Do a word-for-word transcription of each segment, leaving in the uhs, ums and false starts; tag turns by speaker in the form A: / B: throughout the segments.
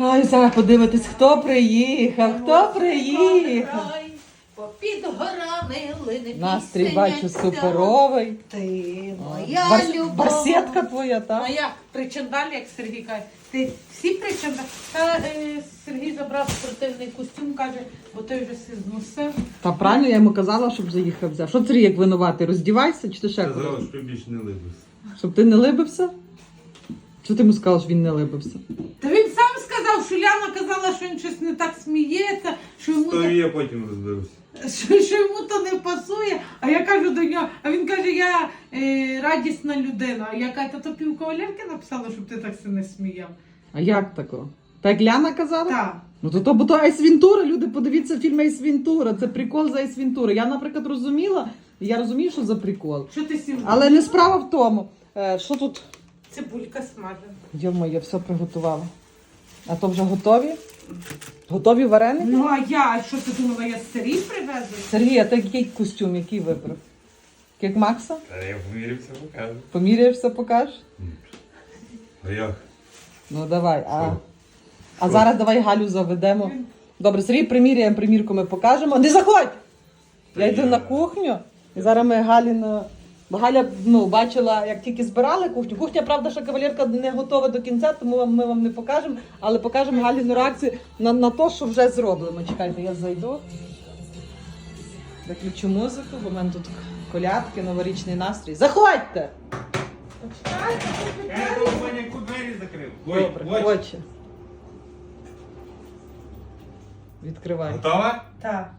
A: Ай, зараз подивитись, хто приїхав, хто приїхав.
B: Попід горами лине
A: Настрій,
B: пісня
A: бачу,
B: ця.
A: суперовий.
B: Ти моя
A: Бар...
B: любов.
A: Барсетка твоя, так?
B: Моя причандалі, як Сергій каже. Ти всі причандалі? Та е, Сергій забрав спортивний костюм, каже, бо той вже все зносив.
A: Та правильно, я йому казала, щоб заїхав взяв. Що Сергій, як винуватий? Роздівайся чи ти ще
C: Казала,
A: кудись?
C: що більше не либився.
A: Щоб ти не либився? Що ти йому сказав, що він не либився?
B: Та він сам сказав, що Ляна казала, що він щось не так сміється, що йому,
C: То
B: то,
C: і я потім розберуся.
B: що, що йому то не пасує. А я кажу до нього, а він каже, я е, радісна людина. А я кажу, та то півкавалерки написала, щоб ти так се не сміяв.
A: А як тако? Так Ляна казала?
B: Так.
A: Ну то то, бо то Айс Вентура, люди, подивіться фільм Айс Вентура. Це прикол за Айс Вентура. Я, наприклад, розуміла, я розумію, що за прикол.
B: Що ти сів?
A: Але не справа в тому. Е, що тут?
B: Цибулька смажена.
A: Йомо, я все приготувала. А то вже готові? Готові вареники?
B: Ну а я, що ти думала, я старі привезу?
A: Сергій, а ти який костюм, який вибрав? Як Макса?
C: Та я помірявся, покажу.
A: Поміряєшся, покажеш?
C: А як?
A: Ну давай. А,
C: Що?
A: а
C: Що?
A: зараз давай Галю заведемо. Добре, Сергій, приміряємо, примірку ми покажемо. Не заходь! Я йду на кухню. І зараз ми Галіна... Бо Галя, ну, бачила, як тільки збирали кухню. Кухня, правда, що кавалерка не готова до кінця, тому ми вам не покажемо. Але покажемо Галіну реакцію на, на те, що вже зроблено. Чекайте, я зайду. Виключу музику, бо в мене тут колядки, новорічний настрій. Заходьте!
C: Я до маняку двері закрив. Ой,
A: Добре,
C: ой.
A: очі. Відкривай.
C: Готова?
B: Так.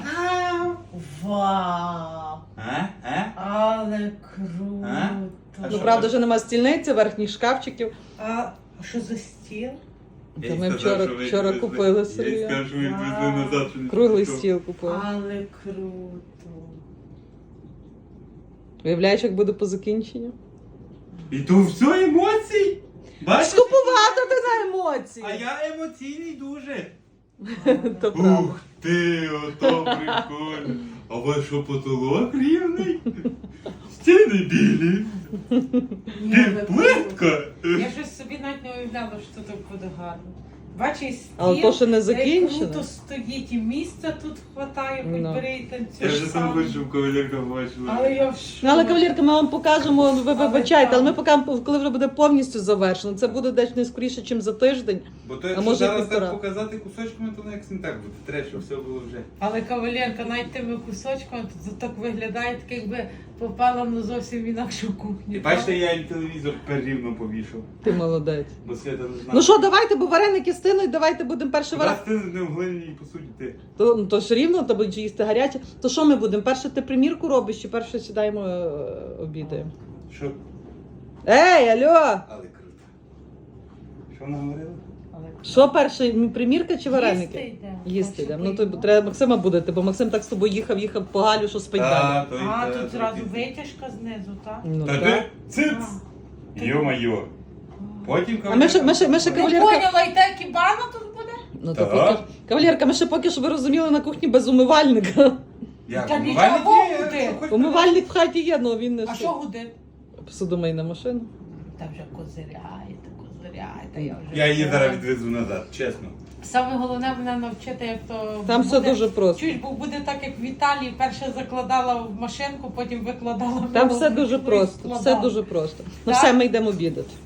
B: Вау!
C: А? А?
B: Але круто!
C: А? А
A: Ну,
C: що
A: правда,
C: так?
A: вже нема стільниці, верхніх шкафчиків.
B: А що за стіл?
A: Та
C: Я їй
A: ми
C: сказав,
A: вчора,
C: що ви
A: вчора
C: відвезли.
A: купили
C: Я їй
A: Сергія.
C: сказав, що ви відвезли
B: Вау.
C: назад, що не
A: Круглий
C: пішов.
A: стіл купили.
B: Але круто!
A: Уявляєш, як буде по закінченню?
C: І то все емоцій? Бачиш?
A: Скупувати ти на емоції!
C: А я емоційний дуже.
A: То правда.
C: Ух ти, ото прикольно. А у вас що, потолок рівний? Стіни білі.
B: Ні, ви
C: Плитка.
B: Я щось собі навіть не уявляла, що так буде гарно. Бачиш, стіл,
A: Але то ще не
B: де
A: закінчено.
B: круто стоїть, і місця тут хватає, хоч
A: Ну.
B: бери і танцюй.
C: Я вже сам
B: сам.
C: хочу, щоб кавалерка бачила.
B: Але я в шоці.
A: Ну, але, кавалерка, ми вам покажемо, ви
B: Але
A: вибачайте, але ми
B: так.
A: покажемо, коли вже буде повністю завершено. Це буде десь не скоріше, ніж за тиждень.
C: Бо то
A: А
C: якщо
A: може і
C: зараз
A: півтора.
C: так показати кусочками, то як не так буде. Треба, щоб все було вже.
B: Але кавалерка, навіть тими кусочками, тут так виглядає, так якби попала на зовсім інакшу кухню.
C: І бачите, я і телевізор перерівно повішав.
A: Ти молодець.
C: Бо Свята не знає.
A: Ну що, давайте, бо вареники стинуть, давайте будемо перше
C: Раз
A: вареники.
C: ти не в глиняній посуді ти.
A: То, ну, то ж рівно, то будуть їсти гаряче. То що ми будемо? Перше ти примірку робиш, чи перше сідаємо е, обідаємо?
C: Що?
A: Ей, алло!
C: Але круто. Що вона говорила?
A: Що перше, примірка чи вареники?
B: Їсти йдемо.
A: Їсти
B: Так,
A: йдемо.
B: щоб
A: Ну то
B: поїхати.
A: треба Максима будити, бо Максим так з тобою їхав, їхав по Галю, що спить далі.
C: то й
B: А,
C: та,
B: тут
C: то й
B: зразу
C: ти.
B: витяжка знизу, так?
A: Ну,
C: Та
A: так.
C: ти циц! Йо-майо. Потім
A: А ми ще- ми ще- ми ще
B: Не
A: Кавалерка-
B: поняла, і та кібана тут буде?
A: Ну,
C: Так.
A: то поки... Кавалерка, ми ще поки що ви розуміли на кухні без умивальника.
C: Як?
B: Та
C: Умивальник
B: нічого
C: є,
B: буде.
C: що хоч
A: Умивальник в хаті є, але він не
B: А що гудить?
A: посудомийна машина.
B: Та вже козиряєте, козиряєте, я вже...
C: Я її зараз відвезу назад, чесно.
B: Саме головне мене навчити, як то...
A: Там все
B: буде-
A: дуже просто.
B: Чуєш, бо буде так, як в Італії, перше закладала в машинку, потім викладала в
A: Там
B: нову
A: все дуже
B: ручку і
A: просто. Все
B: складала.
A: дуже просто. Ну
B: Так?
A: все, ми йдемо обідати.